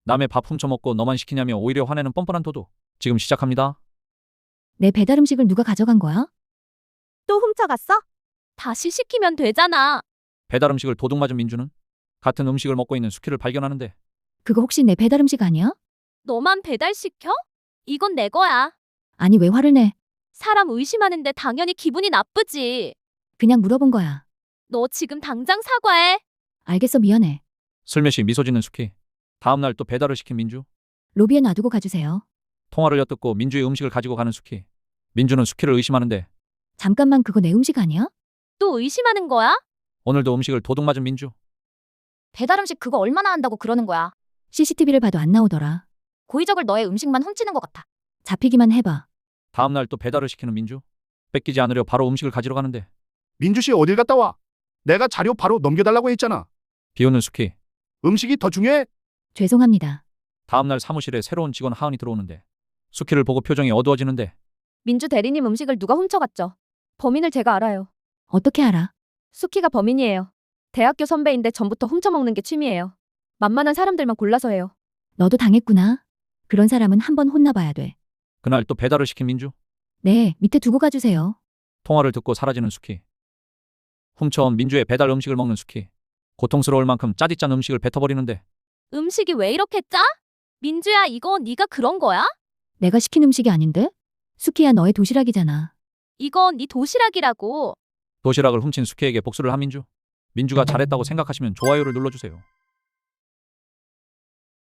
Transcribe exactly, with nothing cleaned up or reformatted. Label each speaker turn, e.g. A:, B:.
A: 남의 밥 훔쳐먹고 너만 시키냐며 오히려 화내는 뻔뻔한 도둑. 지금 시작합니다.
B: 내 배달 음식을 누가 가져간 거야?
C: 또 훔쳐갔어? 다시 시키면 되잖아.
A: 배달 음식을 도둑 맞은 민주는 같은 음식을 먹고 있는 수키를 발견하는데
B: 그거 혹시 내 배달 음식 아니야?
C: 너만 배달시켜? 이건 내 거야.
B: 아니 왜 화를 내?
C: 사람 의심하는데 당연히 기분이 나쁘지.
B: 그냥 물어본 거야.
C: 너 지금 당장 사과해.
B: 알겠어 미안해.
A: 슬며시 미소 짓는 수키. 다음날 또 배달을 시킨 민주.
B: 로비에 놔두고 가주세요.
A: 통화를 엿듣고 민주의 음식을 가지고 가는 수키. 민주는 수키를 의심하는데
B: 잠깐만 그거 내 음식 아니야?
C: 또 의심하는 거야?
A: 오늘도 음식을 도둑 맞은 민주.
D: 배달 음식 그거 얼마나 한다고 그러는 거야?
B: 씨씨티비를 봐도 안 나오더라.
D: 고의적으로 너의 음식만 훔치는 것 같아.
B: 잡히기만 해봐.
A: 다음날 또 배달을 시키는 민주. 뺏기지 않으려 바로 음식을 가지러 가는데
E: 민주씨 어딜 갔다 와? 내가 자료 바로 넘겨달라고 했잖아.
A: 비웃는 수키.
E: 음식이 더 중요해?
B: 죄송합니다.
A: 다음날 사무실에 새로운 직원 하은이 들어오는데 수키를 보고 표정이 어두워지는데
C: 민주 대리님 음식을 누가 훔쳐갔죠? 범인을 제가 알아요.
B: 어떻게 알아?
C: 수키가 범인이에요. 대학교 선배인데 전부터 훔쳐먹는 게 취미예요. 만만한 사람들만 골라서 해요.
B: 너도 당했구나. 그런 사람은 한번 혼나봐야 돼.
A: 그날 또 배달을 시킨 민주.
B: 네, 밑에 두고 가주세요.
A: 통화를 듣고 사라지는 수키. 훔쳐온 민주의 배달 음식을 먹는 수키. 고통스러울 만큼 짜디짠 음식을 뱉어버리는데
C: 음식이 왜 이렇게 짜? 민주야, 이거 네가 그런 거야?
B: 내가 시킨 음식이 아닌데? 수키야 너의 도시락이잖아.
C: 이거 네 도시락이라고.
A: 도시락을 훔친 수키에게 복수를 한 민주. 민주가 잘했다고 생각하시면 좋아요를 눌러주세요.